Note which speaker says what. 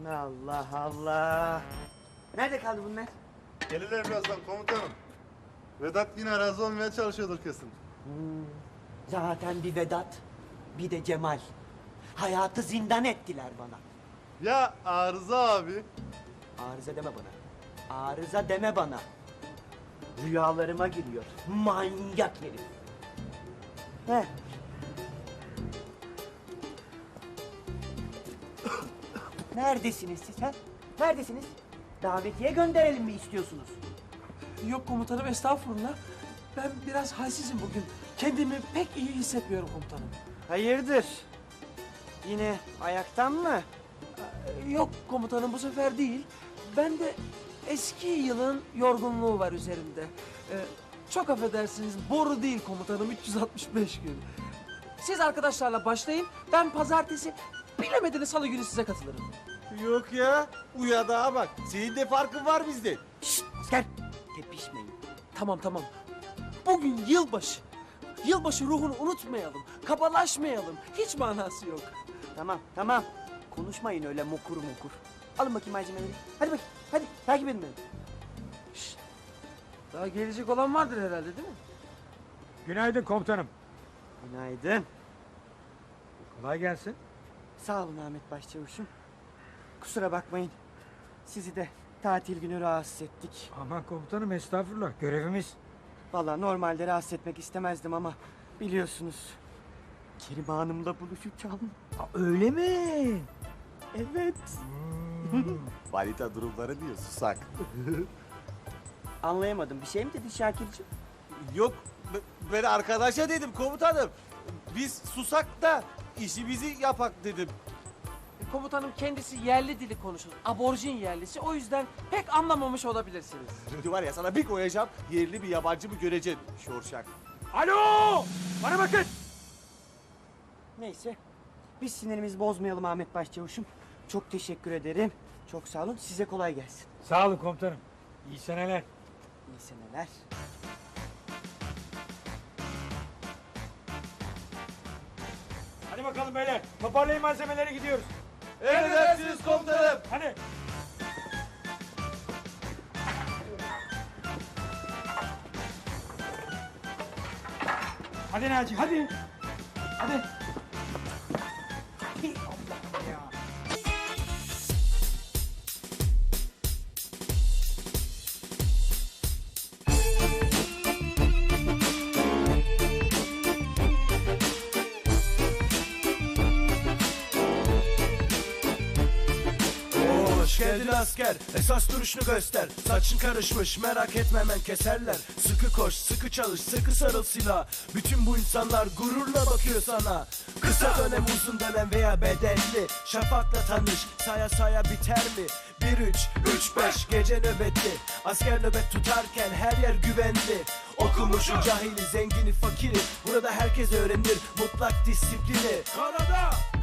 Speaker 1: Allah Allah. Nerede kaldı bunlar?
Speaker 2: Gelirler birazdan komutanım. Vedat yine razı olmaya çalışıyordur kesin.
Speaker 1: Zaten bir Vedat, bir de Cemal. Hayatı zindan ettiler bana.
Speaker 2: Ya Arıza abi?
Speaker 1: Arıza deme bana. Arıza deme bana. Rüyalarıma giriyor. Manyak herif. Heh. Neredesiniz siz ha? Neredesiniz? Davetiye gönderelim mi istiyorsunuz?
Speaker 3: Yok komutanım, estağfurullah. Ben biraz halsizim bugün. Kendimi pek iyi hissetmiyorum komutanım.
Speaker 1: Hayırdır? Yine ayaktan mı?
Speaker 3: Yok komutanım, bu sefer değil. Ben de eski yılın yorgunluğu var üzerimde. Çok affedersiniz, boru değil komutanım, 365 gün. Siz arkadaşlarla başlayın, ben pazartesi, bilemediniz salı günü size katılırım.
Speaker 4: Yok ya. Uyadağa bak. Senin de farkın var bizde.
Speaker 1: Şşt asker! Tepişmeyin.
Speaker 3: Tamam. Bugün yılbaşı. Yılbaşı ruhunu unutmayalım, kabalaşmayalım. Hiç manası yok.
Speaker 1: Tamam. Konuşmayın öyle mokur. Alın bakayım malzemeleri. Hadi bakayım. Hadi takip edin beni.
Speaker 3: Daha gelecek olan vardır herhalde, değil mi?
Speaker 5: Günaydın komutanım.
Speaker 1: Günaydın.
Speaker 5: Kolay gelsin.
Speaker 1: Sağ olun Ahmet Başçavuş'um. Kusura bakmayın. Sizi de tatil günü rahatsız ettik.
Speaker 5: Aman komutanım, estağfurullah, görevimiz.
Speaker 1: Vallahi normalde rahatsız etmek istemezdim ama biliyorsunuz. Kerime Hanım'la buluşacağım.
Speaker 5: Öyle mi?
Speaker 1: Evet.
Speaker 4: Valita durumları diyor susak.
Speaker 1: Anlayamadım. Bir şey mi dedin Şakir'cim?
Speaker 4: Yok ben arkadaşa dedim komutanım. Biz susak da işimizi yapak dedim.
Speaker 3: Komutanım kendisi yerli dili konuşur. Aborjin yerlisi. O yüzden pek anlamamış olabilirsiniz.
Speaker 4: Şimdi var ya sana bir koyacağım yerli bir yabancı mı göreceksin şorşak.
Speaker 5: Alo! Bana bakın!
Speaker 1: Neyse. Biz sinirimizi bozmayalım Ahmet Başçavuş'um. Çok teşekkür ederim. Çok sağ olun. Size kolay gelsin.
Speaker 5: Sağ olun komutanım. İyi seneler.
Speaker 1: İyi seneler.
Speaker 5: Hadi bakalım beyler. Toparlayın malzemeleri, gidiyoruz.
Speaker 4: Emredersiniz komutanım.
Speaker 5: Hadi. Hadi Naci, hadi. Hadi.
Speaker 6: Hoş geldin asker, esas duruşunu göster. Saçın karışmış, merak etme hemen keserler. Sıkı koş, sıkı çalış, sıkı sarıl silah. Bütün bu insanlar gururla bakıyor sana. Kısa dönem, uzun dönem veya bedelli. Şafakla tanış, saya biter mi? 1-3-3-5 gece nöbetli. Asker nöbet tutarken her yer güvenli. Okumuşu, cahili, zengini, fakiri. Burada herkes öğrenir mutlak disiplini. Karada